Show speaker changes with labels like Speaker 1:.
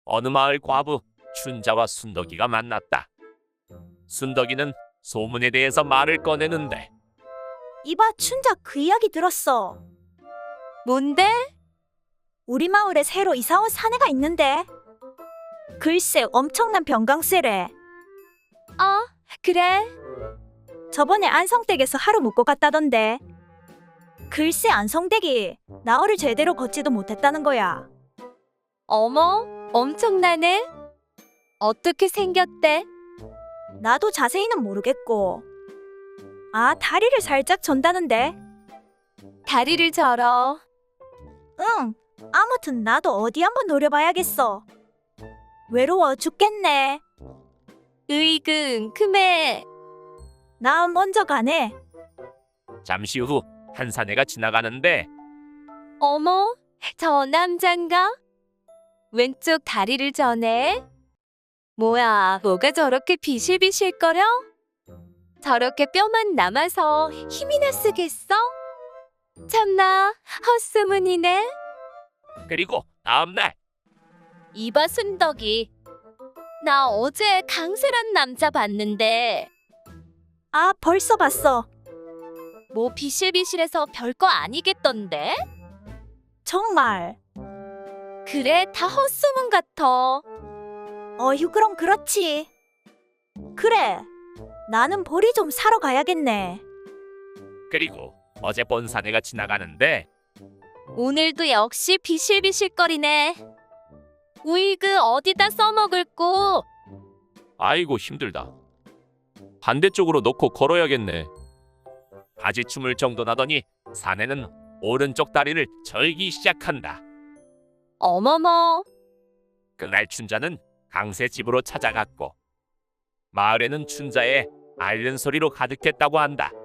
Speaker 1: 어느 마을 과부 춘자와 순덕이가 만났다. 순덕이는 소문에 대해서 말을 꺼내는데
Speaker 2: 이봐, 춘자 그 이야기 들었어.
Speaker 3: 뭔데?
Speaker 2: 우리 마을에 새로 이사 온 사내가 있는데. 글쎄, 엄청난 병강세래.
Speaker 3: 그래.
Speaker 2: 저번에 안성댁에서 하루 묵고 갔다던데. 글쎄, 안성댁이 나흘을 제대로 걷지도 못했다는 거야.
Speaker 3: 어머, 엄청나네. 어떻게 생겼대?
Speaker 2: 나도 자세히는 모르겠고. 다리를 살짝 전다는데.
Speaker 3: 다리를 절어.
Speaker 2: 응, 아무튼 나도 어디 한번 노려봐야겠어. 외로워 죽겠네.
Speaker 3: 으이그 킁킁해.
Speaker 2: 나 먼저 가네.
Speaker 1: 잠시 후 한 사내가 지나가는데
Speaker 3: 어머, 저 남잔가? 왼쪽 다리를 저네. 뭐야, 뭐가 저렇게 비실비실거려? 저렇게 뼈만 남아서 힘이나 쓰겠어? 참나, 헛소문이네.
Speaker 1: 그리고 다음날
Speaker 3: 이봐 순덕이. 나 어제 강세란 남자 봤는데
Speaker 2: 벌써 봤어.
Speaker 3: 뭐 비실비실해서 별거 아니겠던데?
Speaker 2: 정말.
Speaker 3: 그래, 다 헛소문 같아.
Speaker 2: 어휴, 그럼 그렇지. 그래, 나는 보리 좀 사러 가야겠네.
Speaker 1: 그리고 어제 본 사내가 지나가는데
Speaker 3: 오늘도 역시 비실비실거리네. 우이그 어디다 써먹을꼬?
Speaker 1: 아이고 힘들다. 반대쪽으로 놓고 걸어야겠네. 바지춤을 정돈하더니 사내는 오른쪽 다리를 절기 시작한다.
Speaker 3: 어머머,
Speaker 1: 그날 춘자는 강세 집으로 찾아갔고 마을에는 춘자의 앓는 소리로 가득했다고 한다.